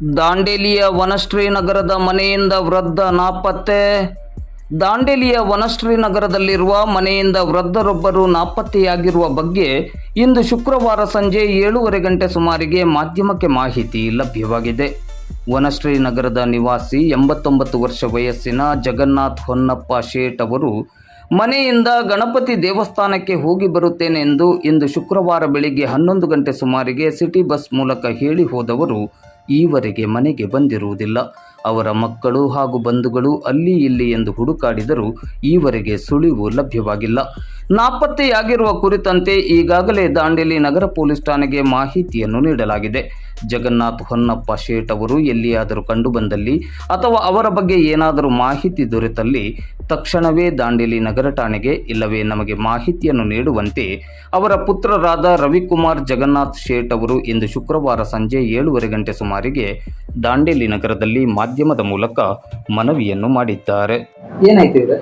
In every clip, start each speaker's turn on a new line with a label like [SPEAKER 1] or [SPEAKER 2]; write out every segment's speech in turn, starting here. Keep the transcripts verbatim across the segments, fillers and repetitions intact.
[SPEAKER 1] ದಾಂಡೇಲಿಯ ವನಶ್ರೀ ನಗರದ ಮನೆಯಿಂದ ವೃದ್ಧ ನಾಪತ್ತೆ. ದಾಂಡೇಲಿಯ ವನಶ್ರೀ ನಗರದಲ್ಲಿರುವ ಮನೆಯಿಂದ ವೃದ್ಧರೊಬ್ಬರು ನಾಪತ್ತೆಯಾಗಿರುವ ಬಗ್ಗೆ ಇಂದು ಶುಕ್ರವಾರ ಸಂಜೆ ಏಳೂವರೆ ಗಂಟೆ ಸುಮಾರಿಗೆ ಮಾಧ್ಯಮಕ್ಕೆ ಮಾಹಿತಿ ಲಭ್ಯವಾಗಿದೆ. ವನಶ್ರೀ ನಗರದ ನಿವಾಸಿ ಎಂಬತ್ತೊಂಬತ್ತು ವರ್ಷ ವಯಸ್ಸಿನ ಜಗನ್ನಾಥ್ ಹೊನ್ನಪ್ಪ ಶೇಟ್ ಅವರು ಮನೆಯಿಂದ ಗಣಪತಿ ದೇವಸ್ಥಾನಕ್ಕೆ ಹೋಗಿ ಬರುತ್ತೇನೆಂದು ಇಂದು ಶುಕ್ರವಾರ ಬೆಳಿಗ್ಗೆ ಹನ್ನೊಂದು ಗಂಟೆ ಸುಮಾರಿಗೆ ಸಿಟಿ ಬಸ್ ಮೂಲಕ ಹೇಳಿ ಹೋದವರು ಈವರೆಗೆ ಮನೆಗೆ ಬಂದಿರುವುದಿಲ್ಲ. ಅವರ ಮಕ್ಕಳು ಹಾಗೂ ಬಂಧುಗಳು ಅಲ್ಲಿ ಇಲ್ಲಿ ಎಂದು ಹುಡುಕಾಡಿದರೂ ಈವರೆಗೆ ಸುಳಿವು ಲಭ್ಯವಾಗಿಲ್ಲ. ನಾಪತ್ತೆಯಾಗಿರುವ ಕುರಿತಂತೆ ಈಗಾಗಲೇ ದಾಂಡೇಲಿ ನಗರ ಪೊಲೀಸ್ ಠಾಣೆಗೆ ಮಾಹಿತಿಯನ್ನು ನೀಡಲಾಗಿದೆ. ಜಗನ್ನಾಥ್ ಹೊನ್ನಪ್ಪ ಶೇಟ್ ಅವರು ಎಲ್ಲಿಯಾದರೂ ಕಂಡುಬಂದಲ್ಲಿ ಅಥವಾ ಅವರ ಬಗ್ಗೆ ಏನಾದರೂ ಮಾಹಿತಿ ದೊರೆತಲ್ಲಿ ತಕ್ಷಣವೇ ದಾಂಡೇಲಿ ನಗರ ಠಾಣೆಗೆ ಇಲ್ಲವೇ ನಮಗೆ ಮಾಹಿತಿಯನ್ನು ನೀಡುವಂತೆ ಅವರ ಪುತ್ರರಾದ ರವಿಕುಮಾರ್ ಜಗನ್ನಾಥ್ ಶೇಟ್ ಅವರು ಇಂದು ಶುಕ್ರವಾರ ಸಂಜೆ ಏಳೂವರೆ ಗಂಟೆ ಸುಮಾರಿಗೆ ದಾಂಡೇಲಿ ನಗರದಲ್ಲಿ ಮಾಧ್ಯಮದ ಮೂಲಕ ಮನವಿಯನ್ನು ಮಾಡಿದ್ದಾರೆ. ಏನಾಯ್ತು ಇವ್ರೆ?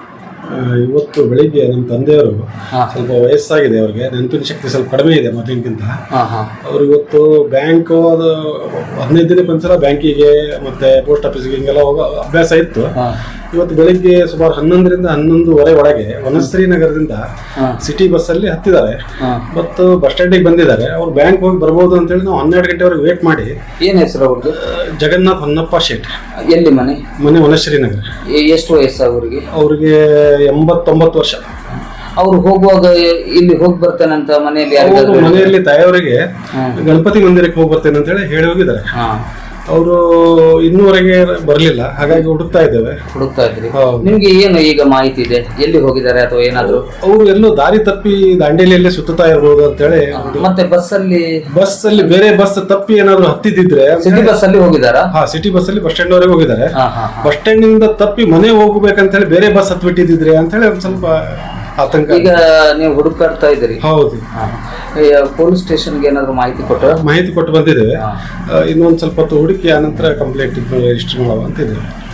[SPEAKER 2] ಇವತ್ತು ಬೆಳಿಗ್ಗೆ ನಮ್ಮ ತಂದೆಯವರು ಸ್ವಲ್ಪ ವಯಸ್ಸಾಗಿದೆ, ಅವ್ರಿಗೆ ನೆನಪಿನ ಶಕ್ತಿ ಸ್ವಲ್ಪ ಕಡಿಮೆ ಇದೆ ಮೊದಲಿನಕ್ಕಿಂತ. ಅವ್ರು ಇವತ್ತು ಬ್ಯಾಂಕ್ ಅದು ಹದಿನೈದು ದಿನಕ್ಕೆ ಒಂದ್ಸಲ ಬ್ಯಾಂಕಿಗೆ ಮತ್ತೆ ಪೋಸ್ಟ್ ಆಫೀಸ್ಗೆ ಹಿಂಗೆಲ್ಲ ಹೋಗೋ ಅಭ್ಯಾಸ ಇತ್ತು. ಇವತ್ತು ಬೆಳಿಗ್ಗೆ ಸುಮಾರು ಹನ್ನೊಂದರಿಂದ ಹನ್ನೊಂದುವರೆ ಒಳಗೆ ವನಶ್ರೀ ನಗರದಿಂದ ಸಿಟಿ ಬಸ್ ಅಲ್ಲಿ ಹತ್ತಿದ್ದಾರೆ ಮತ್ತು ಬಸ್ ಸ್ಟ್ಯಾಂಡಿಗೆ ಬಂದಿದ್ದಾರೆ. ಅವ್ರು ಬ್ಯಾಂಕ್ ಹೋಗಿ ಬರ್ಬೋದು ಅಂತೇಳಿ ನಾವು ಹನ್ನೆರಡು ಗಂಟೆವರೆಗೆ ವೇಟ್ ಮಾಡಿ.
[SPEAKER 1] ಏನ್ ಹೆಸರು ಅವ್ರಿಗೆ?
[SPEAKER 2] ಜಗನ್ನಾಥ್ ಹೊನ್ನಪ್ಪ ಶೇಟ್.
[SPEAKER 1] ಎಲ್ಲಿ ಮನೆ?
[SPEAKER 2] ಮನೆ ವನಶ್ರೀ ನಗರ.
[SPEAKER 1] ಎಷ್ಟು ವಯಸ್ಸು ಅವ್ರಿಗೆ?
[SPEAKER 2] ಅವ್ರಿಗೆ ಎಂಬತ್ತೊಂಬತ್ತು ವರ್ಷ.
[SPEAKER 1] ಅವ್ರು ಹೋಗುವಾಗ ಇಲ್ಲಿ ಹೋಗಿ ಬರ್ತೇನೆ ಅಂತ ಮನೆಯಲ್ಲಿ
[SPEAKER 2] ಮನೆಯಲ್ಲಿ ತಾಯಿಯವರಿಗೆ ಗಣಪತಿ ಮಂದಿರಕ್ಕೆ ಹೋಗಿ ಬರ್ತೇನೆ ಅಂತ ಹೇಳಿ ಹೇಳಿ ಹೋಗಿದ್ದಾರೆ. ಅವರು ಇನ್ನೂವರೆಗೆ ಬರಲಿಲ್ಲ, ಹಾಗಾಗಿ ಹುಡುಕ್ತಾ ಇದ್ದೇವೆ.
[SPEAKER 1] ಹುಡುಕ್ತಾ ಇದ್ರಿ? ನಿಮ್ಗೆ ಏನು ಈಗ ಮಾಹಿತಿ ಇದೆ, ಎಲ್ಲಿ ಹೋಗಿದ್ದಾರೆ ಅಥವಾ ಏನಾದ್ರು?
[SPEAKER 2] ಅವರು ಎಲ್ಲೋ ದಾರಿ ತಪ್ಪಿ ದಾಂಡೇಲಿಯಲ್ಲೇ ಸುತ್ತಾ ಇರ್ಬೋದು ಅಂತ ಹೇಳಿ.
[SPEAKER 1] ಮತ್ತೆ ಬಸ್ ಅಲ್ಲಿ
[SPEAKER 2] ಬಸ್ ಅಲ್ಲಿ ಬೇರೆ ಬಸ್ ತಪ್ಪಿ ಏನಾದ್ರು ಹತ್ತಿದ್ರೆ
[SPEAKER 1] ಸಿಟಿ ಬಸ್ ಅಲ್ಲಿ ಹೋಗಿದಾರಾ?
[SPEAKER 2] ಹಾ, ಸಿಟಿ ಬಸ್ ಅಲ್ಲಿ ಬಸ್ ಸ್ಟ್ಯಾಂಡ್ ವರೆಗೆ ಹೋಗಿದ್ದಾರೆ. ಬಸ್ ಸ್ಟ್ಯಾಂಡ್ ನಿಂದ ತಪ್ಪಿ ಮನೆ ಹೋಗ್ಬೇಕಂತ ಹೇಳಿ ಬೇರೆ ಬಸ್ ಹತ್ಬಿಟ್ಟಿದ್ರೆ ಅಂತ ಹೇಳಿ ಒಂದ್ ಸ್ವಲ್ಪ ಆತಂಕ. ಈಗ ನೀವು ಹುಡುಕಾಡ್ತಾ ಇದ್ದೀರಿ? ಹೌದು.
[SPEAKER 1] ಪೊಲೀಸ್ ಸ್ಟೇಷನ್ಗೆ ಏನಾದ್ರು ಮಾಹಿತಿ ಕೊಟ್ಟ?
[SPEAKER 2] ಮಾಹಿತಿ ಕೊಟ್ಟು ಬಂದಿದ್ದೇವೆ. ಇನ್ನೊಂದ್ ಸ್ವಲ್ಪ ಹೊತ್ತು ಹುಡುಕಿ ಆನಂತರ ಕಂಪ್ಲೇಂಟ್ ರಿಜಿಸ್ಟರ್ ಮಾಡುವ ಅಂತ ಇದ್ದೇವೆ.